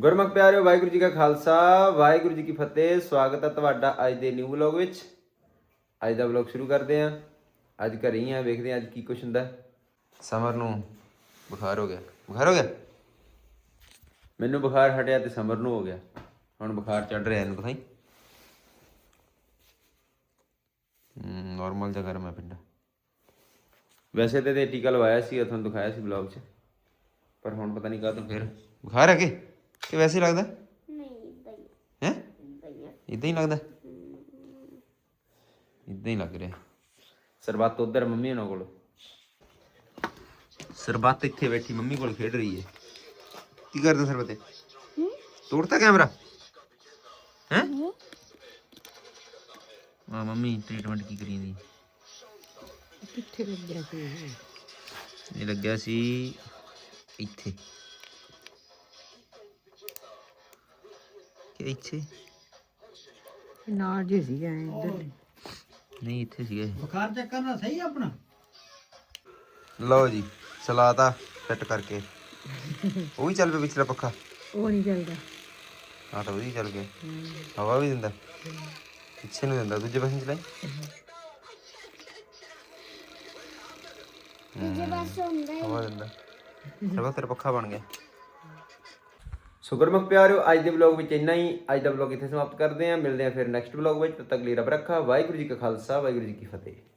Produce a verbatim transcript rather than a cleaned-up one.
ਗੁਰਮੁਖ ਪਿਆਰਿਓ, ਵਾਹਿਗੁਰੂ ਜੀ ਕਾ ਖਾਲਸਾ ਵਾਹਿਗੁਰੂ ਜੀ ਕੀ ਫਤਿਹ। ਸਵਾਗਤ ਹੈ ਤੁਹਾਡਾ ਅੱਜ ਦੇ ਨਿਊ ਵਲੌਗ ਵਿੱਚ। ਅੱਜ ਦਾ ਵਲੌਗ ਸ਼ੁਰੂ ਕਰਦੇ ਹਾਂ। ਅੱਜ ਘਰੇ ਹੀ ਆ, ਵੇਖਦੇ ਹਾਂ ਅੱਜ ਕੀ ਕੁਛ ਹੁੰਦਾ। ਸਮਰ ਨੂੰ ਬੁਖਾਰ ਹੋ ਗਿਆ। ਬੁਖਾਰ ਹੋ ਗਿਆ ਮੈਨੂੰ, ਬੁਖਾਰ ਹਟਿਆ ਤੇ ਸਮਰ ਨੂੰ ਹੋ ਗਿਆ। ਹੁਣ ਬੁਖਾਰ ਚੜ ਰਿਹਾ ਇਹਨੂੰ ਦਿਖਾਈ। ਨੋਰਮਲ ਜਿਹਾ ਗਰਮ ਹੈ ਪਿੰਡਾ। ਵੈਸੇ ਤਾਂ ਟੀਕਾ ਲਵਾਇਆ ਸੀ, ਤੁਹਾਨੂੰ ਦਿਖਾਇਆ ਸੀ ਵਲੌਗ 'ਚ, ਪਰ ਹੁਣ ਪਤਾ ਨਹੀਂ ਕਾਹਤੋਂ ਫਿਰ ਬੁਖਾਰ ਹੈ ਕਿ ਕਿ ਵੈਸੇ ਹੀ ਲੱਗਦਾ। ਹੈ ਇੱਦਾਂ ਹੀ ਲੱਗਦਾ, ਇੱਦਾਂ ਹੀ ਲੱਗ ਰਿਹਾ। ਸਰਬੱਤ ਉੱਧਰ ਮੰਮੀ ਉਹਨਾਂ ਕੋਲ, ਸਰਬੱਤ ਇੱਥੇ ਬੈਠੀ ਮੰਮੀ ਕੋਲ ਖੇਡ ਰਹੀ ਹੈ। ਕੀ ਕਰਦਾ ਸਰਬੱਤ? ਤੋੜਤਾ ਕੈਮਰਾ ਹੈ? ਹਾਂ ਮੰਮੀ ਟ੍ਰੀਟਮੈਂਟ ਕੀ ਕਰੀ ਜਾਂਦੀ? ਕਿੱਥੇ ਲੱਗਿਆ ਸੀ ਇਹ ਲੱਗਿਆ ਸੀ ਇੱਥੇ ਕਿ ਇੱਥੇ ਨਾਲ ਜੇ ਸੀ ਐ ਇੱਧਰ ਨਹੀਂ, ਇੱਥੇ ਸੀਗਾ ਇਹ। ਬੁਖਾਰ ਚੈੱਕ ਕਰਨਾ ਸਹੀ ਆਪਣਾ। ਲਓ ਜੀ, ਚਲਾਤਾ ਫਿੱਟ ਕਰਕੇ। ਉਹ ਵੀ ਚੱਲ ਪਿਆ ਪਿਛਲਾ ਪੱਖਾ। ਉਹ ਨਹੀਂ ਚੱਲਦਾ। ਹਾਂ ਤਾਂ ਉਹਦੀ ਚੱਲ ਗਿਆ, ਹਵਾ ਵੀ ਦਿੰਦਾ। ਪਿੱਛੇ ਨੂੰ ਦਿੰਦਾ, ਦੂਜੇ ਪਾਸੇ ਚਲਾਈ। ਹਵਾ ਦਿੰਦਾ। ਸਰਬੱਤ ਤੇਰਾ ਪੱਖਾ ਬਣ ਗਿਆ। ਸੋ ਗੁਰਮੁਖ ਪਿਆਰਿਓ, ਅੱਜ ਦੇ ਵਲੌਗ ਵਿੱਚ ਇੰਨਾ ਹੀ। ਅੱਜ ਦਾ ਵਲੌਗ ਇੱਥੇ ਸਮਾਪਤ ਕਰਦੇ ਹਾਂ। ਮਿਲਦੇ ਹਾਂ ਫਿਰ ਨੈਕਸਟ ਵਲੌਗ ਵਿੱਚ। ਤਦ ਤੱਕ ਲਈ ਰੱਬ ਰੱਖਾ। ਵਾਹਿਗੁਰੂ ਜੀ ਕਾ ਖਾਲਸਾ ਵਾਹਿਗੁਰੂ ਜੀ ਕੀ ਫਤਿਹ।